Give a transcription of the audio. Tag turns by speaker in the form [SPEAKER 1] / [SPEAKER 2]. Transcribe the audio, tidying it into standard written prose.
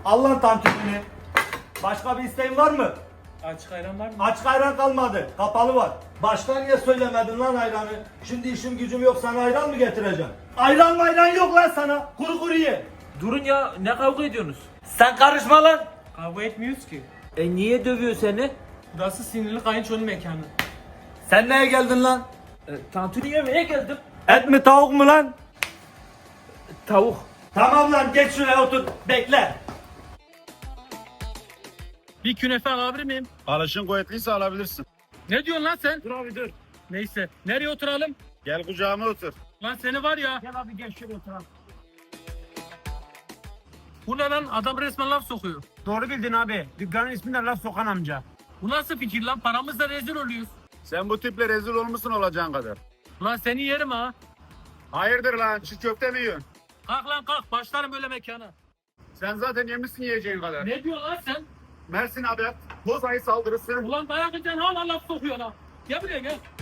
[SPEAKER 1] Al lan tantunini. Başka bir isteğin var mı?
[SPEAKER 2] Açık ayran var mı?
[SPEAKER 1] Açık ayran kalmadı. Kapalı var. Başta niye söylemedin lan ayranı? Şimdi işim gücüm yok, sana ayran mı getireceğim? Ayran yok lan sana. Kuru kuru ye.
[SPEAKER 3] Durun ya, ne kavga ediyorsunuz?
[SPEAKER 1] Sen karışma lan.
[SPEAKER 2] Kavga etmiyoruz ki.
[SPEAKER 3] Niye dövüyor seni?
[SPEAKER 2] Burası sinirli kayınçonun mekanı.
[SPEAKER 1] Sen neye geldin lan?
[SPEAKER 3] Tantuni yemeye geldim.
[SPEAKER 1] Et mi tavuk mu lan?
[SPEAKER 3] Tavuk.
[SPEAKER 1] Tamam lan, geç şuraya otur. Bekle.
[SPEAKER 2] Bir künefe alabilir miyim?
[SPEAKER 4] Alışın kuvvetliyse alabilirsin.
[SPEAKER 2] Ne diyorsun lan sen?
[SPEAKER 3] Dur abi dur.
[SPEAKER 2] Neyse. Nereye oturalım?
[SPEAKER 4] Gel kucağıma otur.
[SPEAKER 2] Lan seni var ya.
[SPEAKER 3] Gel abi gel şöyle oturalım.
[SPEAKER 2] Bu ne lan? Adam resmen laf sokuyor.
[SPEAKER 5] Doğru bildin abi. Dükkanın ismi de Laf Sokan amca.
[SPEAKER 2] Bu nasıl fikir lan? Paramızla rezil oluyoruz.
[SPEAKER 4] Sen bu tiple rezil olmuşsun olacağın kadar.
[SPEAKER 2] Lan seni yerim ha.
[SPEAKER 4] Hayırdır lan, çiğ köfte mi yiyorsun?
[SPEAKER 2] Kalk lan kalk. Başlarım böyle mekana.
[SPEAKER 4] Sen zaten yemişsin yiyeceğin kadar.
[SPEAKER 2] Ne diyorsun lan sen?
[SPEAKER 4] Mersin haber, Bozayı saldırısı.
[SPEAKER 2] Ulan dayak yiyeceksin hala laf sokuyor lan. Gel buraya gel.